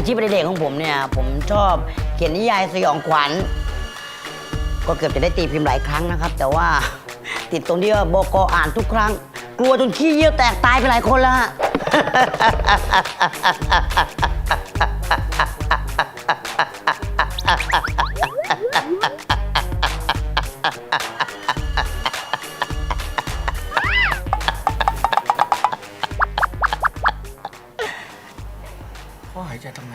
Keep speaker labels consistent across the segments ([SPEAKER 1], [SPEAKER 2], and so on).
[SPEAKER 1] อาชีพเด็กของผมเนี่ยผมชอบเขียนนิยายสยองขวัญก็เกือบจะได้ตีพิมพ์หลายครั้งนะครับ แต่ว่าติดตรงที่ว่าบก.อ่านทุกครั้ง กลัวจนขี้เยี่ยวแตกตายไปหลายคนแล้วฮะ
[SPEAKER 2] พ่อหายใจทางไหน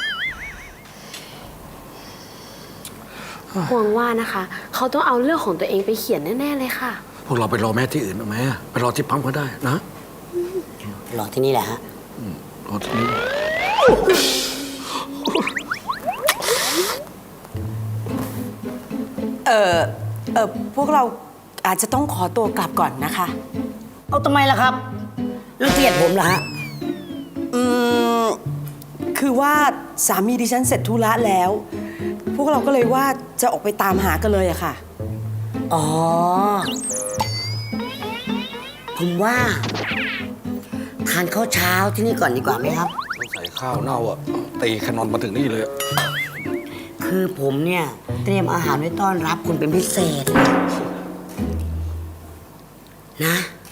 [SPEAKER 3] ห่วงว่านะคะ เขาต้องเอาเรื่องของตัวเองไปเขียนแน่ๆเลยค่ะ
[SPEAKER 2] พวกเราไปรอแม่ที่อื่นเอาไหมไปรอที่ปั๊มก็ได้นะ
[SPEAKER 1] รอที่นี่แหละฮะ
[SPEAKER 2] รอที่นี่
[SPEAKER 4] พวกเราอาจจะต้องขอตัวกลับก่อนนะคะ
[SPEAKER 1] เอาทำไมล่ะครับรังเกียจผมเหรอฮะ
[SPEAKER 4] คือว่าสามีดิฉันเสร็จธุระแล้ว พวกเราก็เลยว่าจะออกไปตามหากันเลยอะค่ะ
[SPEAKER 1] อ๋อ ผมว่าทานข้าวเช้าที่นี่ก่อนดีกว่าไหมครับ
[SPEAKER 2] ใส่ข้าวเน่าอ่ะตีแคนนอนมาถึงนี่เลย
[SPEAKER 1] คือผมเนี่ยเตรียมอาหารไว้ต้อนรับคุณเป็นพิเศษนะ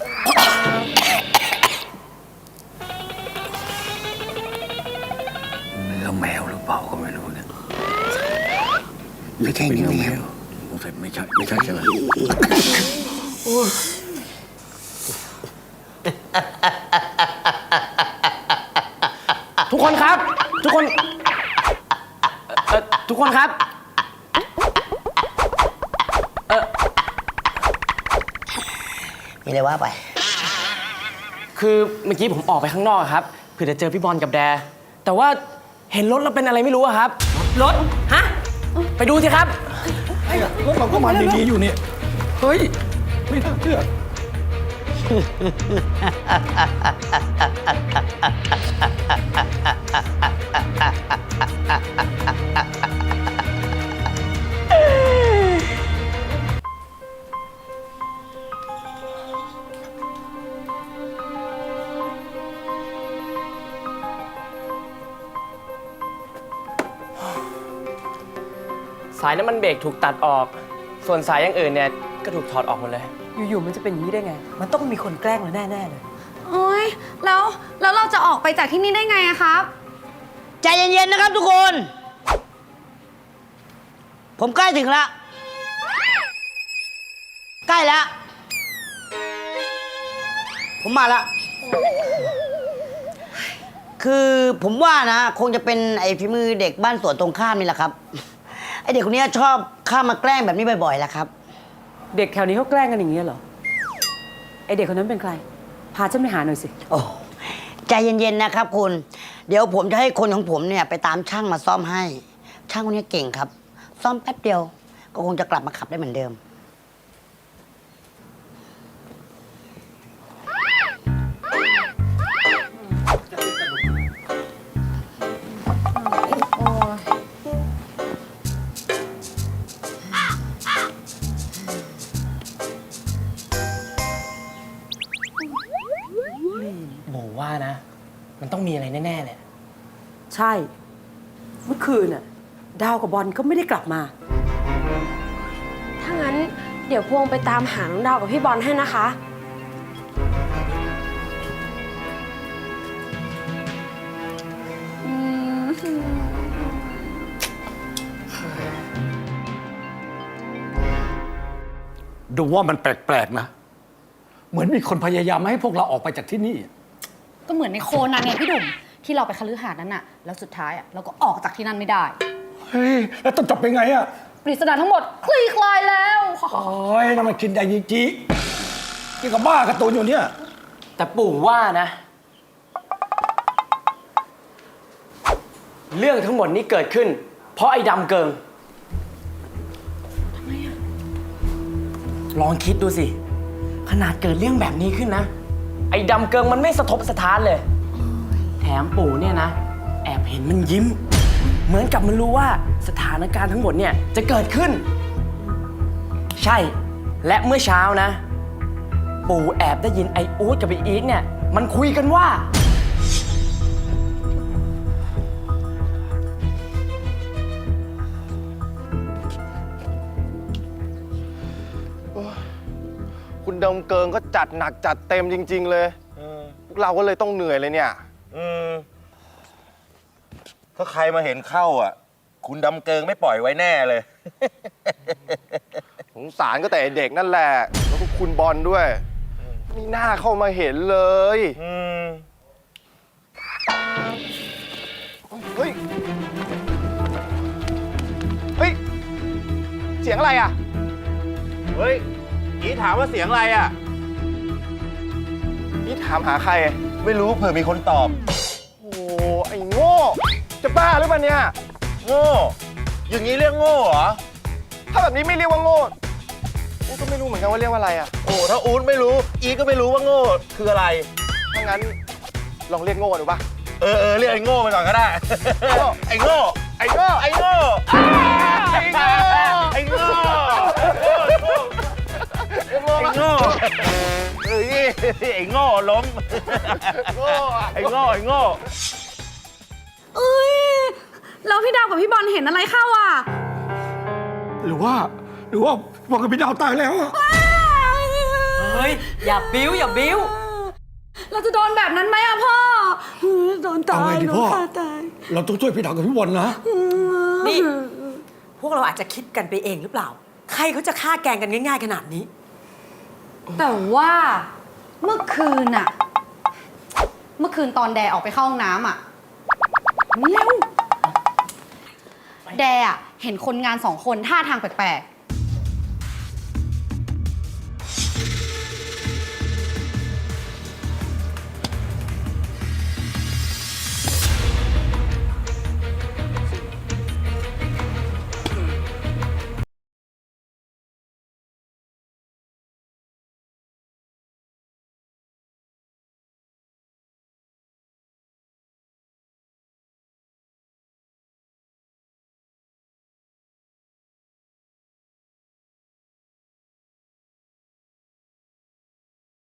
[SPEAKER 2] เนื้อแมวหรือเปล่าก็ไม่รู้เนี่ย
[SPEAKER 1] ไม่ใช่เนื้อแมว
[SPEAKER 2] สงสัยไม่ใช่ใช่ไหม
[SPEAKER 5] ทุกคนครับ ทุกคนทุกคนครับ
[SPEAKER 1] มีอะไรว่าไป
[SPEAKER 5] คือเมื่อกี้ผมออกไปข้างนอกครับเพื่อจะเจอพี่บอลกับแด แต่ว่าเห็นรถแล้วเป็นอะไรไม่รู้อะครับ รถ ฮะ ไปดูสิครับ
[SPEAKER 2] รถเราก็มาดีๆอยู่นี่เฮ้ย ไม่น่าเชื่อ
[SPEAKER 5] สายน้ำมันเบรกถูกตัดออก ส่วนสายอย่างอื่นเนี่ยก็ถูกถอดออกหมดเลย
[SPEAKER 4] อยู่ๆมันจะเป็นอย่างนี้ได้ไง มันต้องมีคนแกล้งเราแน่ๆเลย
[SPEAKER 6] โอ๊ยแล้วเราจะออกไปจากที่นี่ได้ไงอะครับ
[SPEAKER 1] ใจเย็นๆนะครับทุกคน ผมใกล้ถึงแล้ว ใกล้แล้ว ผมมาแล้ว คือผมว่านะ คงจะเป็นไอ้ฝีมือเด็กบ้านสวนตรงข้ามนี่แหละครับ ไอ้เด็กคนนี้ชอบเข้ามาแกล้งแบบนี้บ่อยๆแหละครับ
[SPEAKER 4] เด็กแถวนี้เขาแกล้งกันอย่างนี้เหรอ ไอเด็กคนนั้นเป็นใคร พาฉันไปหาหน่อยสิ
[SPEAKER 1] โอ้ใจเย็นๆนะครับคุณ เดี๋ยวผมจะให้คนของผมเนี่ยไปตามช่างมาซ่อมให้ ช่างคนนี้เก่งครับ ซ่อมแป๊บเดียว ก็คงจะกลับมาขับได้เหมือนเดิม
[SPEAKER 5] โบว่านะ มันต้องมีอะไรแน่ๆเลย
[SPEAKER 4] ใช่ เมื่อคืนน่ะ ดาวกับบอลก็ไม่ได้กลับมา
[SPEAKER 3] ถ้างั้นเดี๋ยวพวงไปตามหาน้องดาวกับพี่บอลให้นะคะ
[SPEAKER 2] ดูว่ามันแปลกๆนะ เหมือนมีคนพยายามไม่ให้พวกเราออกไปจากที่นี่
[SPEAKER 6] ก็เหมือนในโคนันไงพี่ดุ่มที่เราไปคฤหาสน์นั้นน่ะ แล้วสุดท้ายอะเราก็ออกจากที่นั่นไม่ได้
[SPEAKER 2] เฮ้ย แล้วต้องจบเป็นไงอะ
[SPEAKER 6] ปริศนาทั้งหมดคลี่คลายแล้ว
[SPEAKER 2] โอ้ยนั่นมันคินไดยิจินี่ก็บ้าการ์ตูนอยู่เนี่ย
[SPEAKER 5] แต่ปู่ว่านะ เรื่องทั้งหมดนี้เกิดขึ้น เพราะไอ้ดำเกิงทำไมอะลองคิดดูสิ ขนาดเกิดเรื่องแบบนี้ขึ้นนะ ไอ้ดำเกิงมันไม่สะทกสะท้านเลย แถมปู่เนี่ยนะ แอบเห็นมันยิ้ม เหมือนกับมันรู้ว่าสถานการณ์ทั้งหมดเนี่ยจะเกิดขึ้น ใช่ และเมื่อเช้านะ ปู่แอบได้ยินไอ้อู๊ดกับไอ้อีทเนี่ย มันคุยกันว่า
[SPEAKER 7] ดมเกิงก็จัดหนักจัดเต็มจริง ๆ เลยพวกเราก็เลยต้องเหนื่อยเลยเนี่ย
[SPEAKER 8] ถ้าใครมาเห็นเข้าอ่ะ คุณดำเกิงไม่ปล่อยไว้แน่เลย
[SPEAKER 7] สงสารก็แต่เด็กนั่นแหละ แล้วก็คุณบอลด้วยมีหน้าเข้ามาเห็นเลยเฮ้ย เฮ้ย เสียงอะไรอ่ะ
[SPEAKER 8] เฮ้ยอีถามว่าเสียงอะไรอ่ะ
[SPEAKER 7] นี่ถามหาใคร
[SPEAKER 8] ไม่รู้เผื่อมีคนตอบ
[SPEAKER 7] โอ้ไอ้โง่ จะบ้าหรือเปล่าเนี่ย
[SPEAKER 8] โง่ อย่างนี้เรียกโง่เหรอ
[SPEAKER 7] ถ้าแบบนี้ไม่เรียกว่าโง่กูก็ไม่รู้เหมือนกันว่าเรียกว่าอะไรอ่ะ
[SPEAKER 8] โอ้ถ้าอู๊ดไม่รู้ อีก็ไม่รู้ว่าโง่คืออะไร
[SPEAKER 7] ถ้างั้นลองเรียกโง่ดูป่ะ
[SPEAKER 8] เออเรียกไอ้โง่ไปก่อนก็ได้ ไอ้โง่
[SPEAKER 7] ไอ้โง่
[SPEAKER 8] ไอ้โง่
[SPEAKER 7] ไอ้โง่
[SPEAKER 8] ไอ้โง่ไอ้โง่เอ้ยไอ้โง่ล้ม
[SPEAKER 7] โง่อะ
[SPEAKER 8] ไอ้โง่ไอ้โง่
[SPEAKER 6] เอ้ยแล้วพี่ดาวกับพี่บอลเห็นอะไรเข้าอ่ะ
[SPEAKER 2] หรือว่าบอกกับพี่ดาวตายแล้วอะ
[SPEAKER 4] เฮ้ย อย่าบิ้วอย่าบิ้ว
[SPEAKER 6] เราจะโดนแบบนั้นไหมอะพ่อ
[SPEAKER 4] โดนตา
[SPEAKER 2] เอา
[SPEAKER 4] ย
[SPEAKER 2] ไงดี
[SPEAKER 4] โด
[SPEAKER 2] พ่
[SPEAKER 4] น
[SPEAKER 2] อ
[SPEAKER 4] ฆ่าตาย
[SPEAKER 2] เราต้องช่วยพี่ดาวกับพี่บอลนะ
[SPEAKER 4] นี่ พวกเราอาจจะคิดกันไปเองหรือเปล่า ใครเขาจะฆ่าแกล้งกันง่ายๆขนาดนี้
[SPEAKER 6] แต่ว่าเมื่อคืนตอนแดออกไปเข้าห้องน้ำอะเร็วแดอะเห็นคนงาน2 คนท่าทางแปลก